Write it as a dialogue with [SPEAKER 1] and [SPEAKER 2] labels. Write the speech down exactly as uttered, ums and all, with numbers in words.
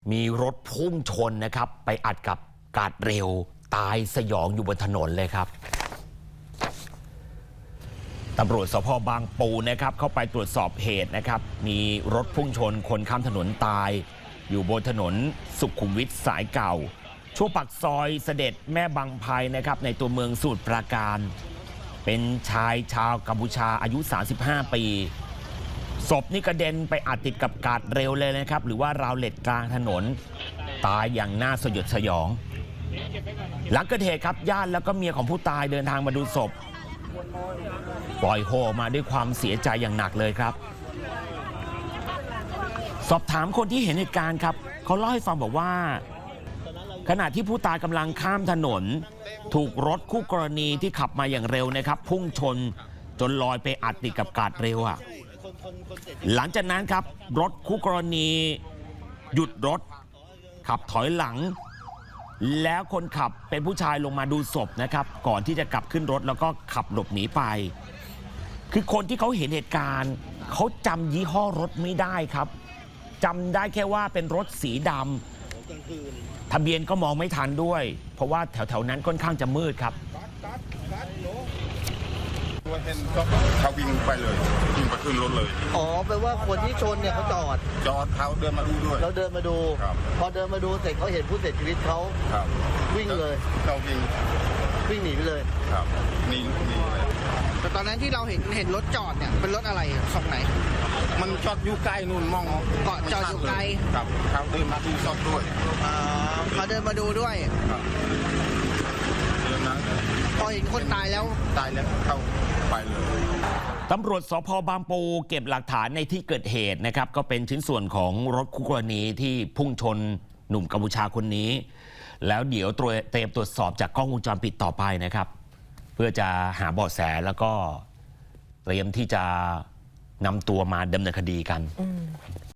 [SPEAKER 1] มีรถพุ่งชนนะครับไปอัดกับกาดเร็วตายสยองอยู่บนถนนเลยครับตำรวจสภ.บางปูนะครับเข้าไปตรวจสอบเหตุนะครับมีรถพุ่งชนคนข้ามถนนตายอยู่บนถนนสุขุมวิทสายเก่าช่วงปากซอยเสด็จแม่บางไพนะครับในตัวเมืองสมุทรปราการเป็นชายชาวกัมพูชาอายุสามสิบห้าปีศพนี่กระเด็นไปอัดติดกับกาดเร็วเลยนะครับหรือว่าราวเหล็กกลางถนนตายอย่างน่าสยดสยองหลังเกิดเหตุครับญาติแล้วก็เมียของผู้ตายเดินทางมาดูศพปล่อยโฮมาด้วยความเสียใจอย่างหนักเลยครับสอบถามคนที่เห็นเหตุการณ์ครับเขาเล่าให้ฟังบอกว่าขณะที่ผู้ตายกำลังข้ามถนนถูกรถคู่กรณีที่ขับมาอย่างเร็วนะครับพุ่งชนจนลอยไปอัดติดกับกาดเร็วอ่ะหลังจากนั้นครับรถคู่กรณีหยุดรถขับถอยหลังแล้วคนขับเป็นผู้ชายลงมาดูศพนะครับก่อนที่จะกลับขึ้นรถแล้วก็ขับหลบหนีไปคือคนที่เขาเห็นเหตุการณ์เขาจำยี่ห้อรถไม่ได้ครับจำได้แค่ว่าเป็นรถสีดำทะเบียนก็มองไม่ทันด้วยเพราะว่าแถวๆนั้นค่อนข้างจะมืดครับ
[SPEAKER 2] เห็นก็เขาวิ่งไปเลยวิ่งไปขึ้นรถเลย
[SPEAKER 3] อ๋อแปลว่าคนที่ชนเนี่ยเขาจอด
[SPEAKER 2] จอดเขาเดินมาดูด้วย
[SPEAKER 3] เราเดินมาดูพอเดินมาดูเสร็จเขาเห็นผู้เสียชีวิตเขาวิ่งเลย
[SPEAKER 2] เขาวิ่ง
[SPEAKER 3] วิ่งหนีไปเลย
[SPEAKER 2] ครับหนีหนีเลย
[SPEAKER 4] แต่ตอนนั้นที่เราเห็นเห็นรถจอดเนี่ยเป็นรถอะไรฝั่งไหน
[SPEAKER 2] มันจอดอยู่ใกล้นู่นมอง
[SPEAKER 4] เกาะจอดอยู่ไกล
[SPEAKER 2] ครับเขาเดินมาดูจอดด้วย
[SPEAKER 4] เขาเดินมาดูด้วย
[SPEAKER 2] เดินนะ
[SPEAKER 4] พอเห็นคนตายแล้ว
[SPEAKER 2] ตายแล้วเข้าไปเลย
[SPEAKER 1] ตำรวจสภ.บางปูเก็บหลักฐานในที่เกิดเหตุนะครับก็เป็นชิ้นส่วนของรถคู่กรณีที่พุ่งชนหนุ่มกัมพูชาคนนี้แล้วเดี๋ยวเตรียมตรวจสอบจากกล้องวงจรปิดต่อไปนะครับเพื่อจะหาเบาะแสแล้วก็เตรียมที่จะนำตัวมาดำเนินคดีกัน